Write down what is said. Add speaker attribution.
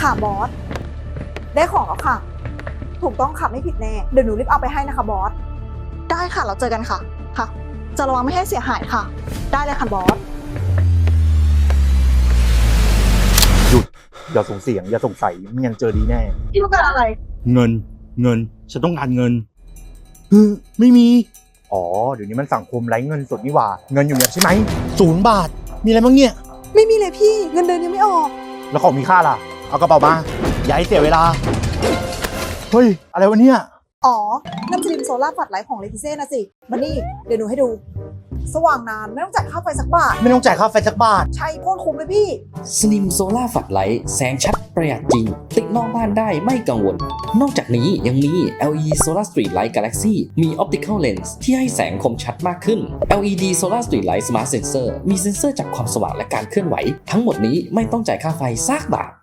Speaker 1: ค่ะบอสได้ของแล้วค่ะถูกต้องค่ะไม่ผิดแน่เดี๋ยวหนูรีบเอาไปให้นะคะบอสได้ค่ะเราเจอกันค่ะค่ะจะระวังไม่ให้เสียหายค่ะได้เลยค่ะบอส
Speaker 2: หยุดอย่าส่งเสียงอย่าส่งใส่ไม่งั้นเจอดีแน่
Speaker 1: พี่ต้องการอะไร
Speaker 2: เงินฉันต้องการเงินไม่มีอ๋อเดี๋ยวนี้มันสังคมไร้เงินสดนี่หว่าเงินอยู่เนี่ยใช่ไหม0 บาทมีอะไรบ้างเนี่ย
Speaker 1: ไม่มีเลยพี่เงินเดือนยังไม่ออก
Speaker 2: แล้วของมีค่าล่ะเอากระเป๋ามาอย่าให้เสียเวลาเฮ้ยอะไรวะเนี่ย
Speaker 1: อ๋อน้ำสลิมโซล่าฝัดไลท์ของเลติเซ่นะสิมานี่เดี๋ยวหนูให้ดู สว่างนานไม่ต้องจ่ายค่าไฟสักบาท
Speaker 2: ไม่ต้องจ่ายค่าไฟสักบาท
Speaker 1: ใช่โคตรคุ้มเลยพี่
Speaker 3: สลิมโซล่าฝัดไลท์แสงชัดประหยัดจริง ติดนอกบ้านได้ไม่กังวล นอกจากนี้ยังมี LED Solar Street Light Galaxy มี Optical Lens ที่ให้แสงคมชัดมากขึ้น LED Solar Street Light Smart Sensor มีเซ็นเซอร์จับความสว่างและการเคลื่อนไหว ทั้งหมดนี้ไม่ต้องจ่ายค่าไฟซากบาท